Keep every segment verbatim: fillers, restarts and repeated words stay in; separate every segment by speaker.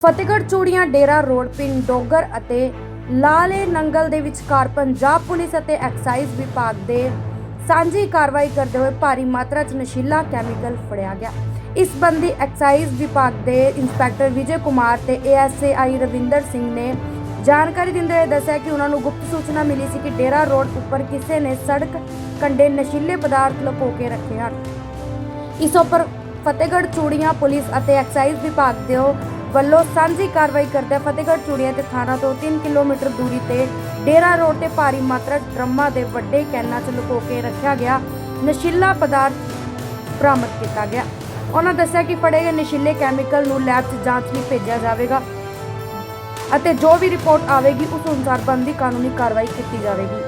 Speaker 1: ਫਤਿਹਗੜ੍ਹ ਚੂੜੀਆਂ ਡੇਰਾ ਰੋਡ ਪਿੰਡ ਡੋਗਰ ਅਤੇ ਲਾਲੇ ਨੰਗਲ ਦੇ ਵਿਚਕਾਰ ਪੰਜਾਬ ਪੁਲਿਸ ਅਤੇ ਐਕਸਾਈਜ਼ ਵਿਭਾਗ ਦੇ ਸਾਂਝੀ ਕਾਰਵਾਈ ਕਰਦੇ ਹੋਏ ਭਾਰੀ ਮਾਤਰਾ 'ਚ ਨਸ਼ੀਲਾ ਕੈਮੀਕਲ ਫੜਿਆ ਗਿਆ। ਇਸ ਸੰਬੰਧੀ ਐਕਸਾਈਜ਼ ਵਿਭਾਗ ਦੇ ਇੰਸਪੈਕਟਰ ਵਿਜੇ ਕੁਮਾਰ ਤੇ ਏਐਸਆਈ ਰਵਿੰਦਰ ਸਿੰਘ ਨੇ ਜਾਣਕਾਰੀ ਦਿੰਦੇ ਹੋਏ ਦੱਸਿਆ ਕਿ ਉਹਨਾਂ ਨੂੰ ਗੁਪਤ ਸੂਚਨਾ ਮਿਲੀ ਸੀ ਕਿ ਡੇਰਾ ਰੋਡ ਉੱਪਰ ਕਿਸੇ ਨੇ ਸੜਕ ਕੰਢੇ ਨਸ਼ੀਲੇ ਪਦਾਰਥ ਲੁਕੋ ਕੇ ਰੱਖੇ ਹਨ। ਇਸ ਉੱਪਰ ਫਤਿਹਗੜ੍ਹ ਚੂੜੀਆਂ ਪੁਲਿਸ ਅਤੇ ਐਕਸਾਈਜ਼ ਵਿਭਾਗ ਦੇ ਵੱਲੋਂ ਸਾਂਝੀ ਕਾਰਵਾਈ ਕਰਦੇ ਫਤਿਹਗੜ੍ਹ ਚੂੜੀਆਂ ਤੇ ਥਾਣਾ ਤੋਂ ਤਿੰਨ ਕਿਲੋਮੀਟਰ ਦੂਰੀ ਤੇ ਡੇਰਾ ਰੋਡ ਤੇ ਭਾਰੀ ਮਾਤਰਾ ਡਰਮਾਂ ਦੇ ਵੱਡੇ ਕੈਨਾਂ 'ਚ ਲੁਕੋ ਕੇ ਰੱਖਿਆ ਗਿਆ ਨਸ਼ੀਲਾ ਪਦਾਰਥ ਬਰਾਮਦ ਕੀਤਾ ਗਿਆ। ਉਹਨਾਂ ਦੱਸਿਆ ਕਿ ਫੜੇ ਗਏ ਨਸ਼ੀਲੇ ਕੈਮੀਕਲ ਨੂੰ ਲੈਬ 'ਚ ਜਾਂਚ ਲਈ ਭੇਜਿਆ ਜਾਵੇਗਾ ਅਤੇ ਜੋ ਵੀ ਰਿਪੋਰਟ ਆਵੇਗੀ ਉਸ ਅਨੁਸਾਰ ਬਣਦੀ ਕਾਨੂੰਨੀ ਕਾਰਵਾਈ ਕੀਤੀ ਜਾਵੇਗੀ।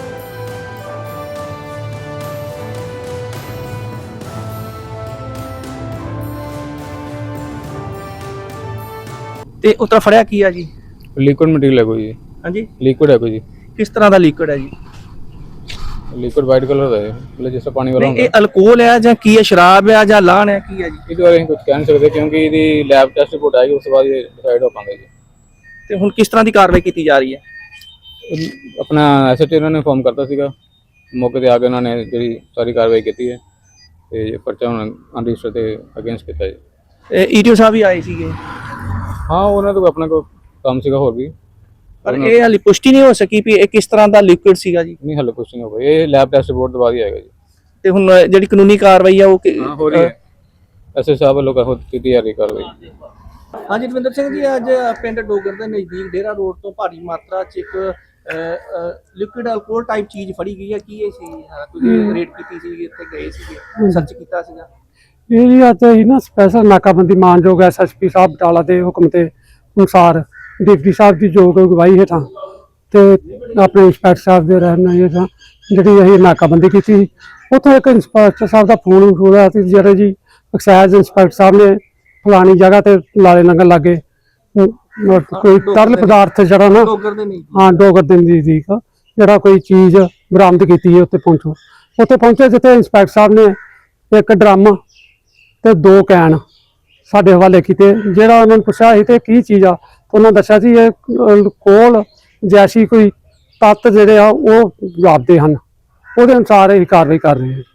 Speaker 2: ਤੇ ਉਤਰਾ ਫੜਿਆ ਕੀ ਆ ਜੀ?
Speaker 3: लिक्विड मटेरियल है कोई जी।
Speaker 2: हाँ जी,
Speaker 3: लिक्विड है कोई जी।
Speaker 2: किस तरह का लिक्विड है जी?
Speaker 3: लिक्विड वाइट कलर का है, मतलब जैसे पानी वाला
Speaker 2: नहीं, ये अल्कोहल है ਜਾਂ ਕੀ ਹੈ, ਸ਼ਰਾਬ ਹੈ ਜਾਂ ਲਾਣ ਹੈ, ਕੀ ਹੈ ਜੀ?
Speaker 3: ਇਹਦੇ ਬਾਰੇ ਕੁਝ ਕਹਿ ਨਹੀਂ ਸਕਦੇ ਕਿਉਂਕਿ ਇਹਦੀ ਲੈਬ ਟੈਸਟ ਰਿਪੋਰਟ ਆਏਗੀ ਉਸ ਤੋਂ ਬਾਅਦ ਇਹ ਡਿਸਾਈਡ ਹੋ ਪਾਉਂਦਾ ਜੀ।
Speaker 2: ਤੇ ਹੁਣ ਕਿਸ ਤਰ੍ਹਾਂ ਦੀ ਕਾਰਵਾਈ ਕੀਤੀ ਜਾ ਰਹੀ ਹੈ?
Speaker 3: ਆਪਣਾ ਐਸਐਚਓ ਇਹਨਾਂ ਨੇ ਫਾਰਮ ਕਰਤਾ ਸੀਗਾ, ਮੌਕੇ ਤੇ ਆ ਕੇ ਉਹਨਾਂ ਨੇ ਜਿਹੜੀ ਸਾਰੀ ਕਾਰਵਾਈ ਕੀਤੀ ਹੈ ਤੇ ਪਰਚਾ ਹੁਣ ਅਨਰਜਿਸਟਰ ਤੇ ਅਗੇਂਸਟ ਕੀਤਾ ਜੀ।
Speaker 2: ਇਹ ਈਟੀਓ ਸਾਹਿਬ ਵੀ ਆਏ ਸੀਗੇ,
Speaker 3: ਹਾਂ ਉਹਨਾਂ ਤੋਂ ਆਪਣਾ ਕੋਈ ਕੰਮ ਸੀਗਾ ਹੋਰ ਵੀ,
Speaker 2: ਪਰ ਇਹ ਹਾਲੇ ਪੁਸ਼ਟੀ ਨਹੀਂ ਹੋ ਸਕੀ ਵੀ ਇਹ ਕਿਸ ਤਰ੍ਹਾਂ ਦਾ ਲਿਕੁਇਡ ਸੀਗਾ ਜੀ।
Speaker 3: ਨਹੀਂ ਹਾਲੇ ਕੁਝ ਨਹੀਂ ਹੋ ਗਿਆ, ਇਹ ਲੈਬ ਟੈਸਟ ਰਿਪੋਰਟ ਤੋਂ ਬਾਅਦ ਹੀ ਆਏਗਾ ਜੀ।
Speaker 2: ਤੇ ਹੁਣ ਜਿਹੜੀ ਕਾਨੂੰਨੀ ਕਾਰਵਾਈ ਆ ਉਹ
Speaker 3: ਹਾਂ ਹੋ ਰਹੀ ਹੈ, ਐਸਐਚਓ ਸਾਹਿਬ ਵੱਲੋਂ ਕੀਤੀ ਜਾ ਰਹੀ ਕਾਰਵਾਈ।
Speaker 2: ਹਾਂਜੀ ਰਵਿੰਦਰ ਸਿੰਘ ਜੀ, ਅੱਜ ਪਿੰਡ ਡੋਗਰ ਦੇ ਨਜ਼ਦੀਕ ਡੇਰਾ ਰੋਡ ਤੋਂ ਭਾਰੀ ਮਾਤਰਾ 'ਚ ਇੱਕ ਲਿਕੁਇਡ ਅਲਕੋਹਲ ਟਾਈਪ ਚੀਜ਼ ਫੜੀ ਗਈ ਹੈ। ਕੀ ਇਹ ਸੀ? ਤੁਸੀਂ ਰੇਡ ਕੀਤੀ ਸੀ, ਇੱਥੇ ਗਏ ਸੀਗੇ, ਸਰਚ ਕੀਤਾ ਸੀਗਾ?
Speaker 4: ਇਹ ਜੀ ਅੱਜ ਹੀ ਨਾ ਸਪੈਸ਼ਲ ਨਾਕਾਬੰਦੀ ਮਾਨਯੋਗ ਐਸਐਸਪੀ ਸਾਹਿਬ ਬਟਾਲਾ ਦੇ ਹੁਕਮ ਤੇ ਅਨੁਸਾਰ ਡਿਪਟੀ ਸਾਹਿਬ ਦੀ ਯੋਗ ਅਗਵਾਈ ਹੇਠਾਂ ਤੇ ਆਪਣੇ ਇੰਸਪੈਕਟਰ ਸਾਹਿਬ ਦੇ ਰਹਿਣ ਹੇਠਾਂ ਜਿਹੜੀ ਅਸੀਂ ਨਾਕਾਬੰਦੀ ਕੀਤੀ। ਉੱਥੋਂ ਇੱਕ ਇੰਸਪੈਕਟਰ ਸਾਹਿਬ ਦਾ ਫੋਨ ਹੋਇਆ ਸੀ ਜਿਹੜੇ ਜੀ ਐਕਸਾਈਜ਼ ਇੰਸਪੈਕਟਰ ਸਾਹਿਬ ਨੇ ਫਲਾਣੀ ਜਗ੍ਹਾ ਤੇ ਲਾਲੇ ਨੰਗਲ ਲਾਗੇ ਕੋਈ ਤਰਲ ਪਦਾਰਥ ਜਿਹੜਾ ਨਾ ਹਾਂ ਡੋਗਰ ਦੇ ਨਜ਼ਦੀਕ ਜਿਹੜਾ ਕੋਈ ਚੀਜ਼ ਬਰਾਮਦ ਕੀਤੀ ਹੈ। ਉੱਥੇ ਪਹੁੰਚੋ ਉੱਥੇ ਪਹੁੰਚੇ ਜਿੱਥੇ ਇੰਸਪੈਕਟਰ ਸਾਹਿਬ ਨੇ ਇੱਕ ਡਰਮ ਤੇ ਦੋ ਕੈਨ ਸਾਡੇ ਹਵਾਲੇ ਕੀਤੇ। ਜਿਹੜਾ ਉਹਨਾਂ ਨੂੰ ਪੁੱਛਿਆ ਸੀ ਤੇ ਕੀ ਚੀਜ਼ ਆ, ਉਹਨਾਂ ਦੱਸਿਆ ਸੀ ਇਹ ਕੋਲ ਜੈਸੀ ਕੋਈ ਤੱਤ ਜਿਹੜੇ ਆ ਉਹ ਜਾਪਦੇ ਹਨ, ਉਹਦੇ ਅਨੁਸਾਰ ਇਹ ਕਾਰਵਾਈ ਕਰ ਰਹੇ ਹਾਂ।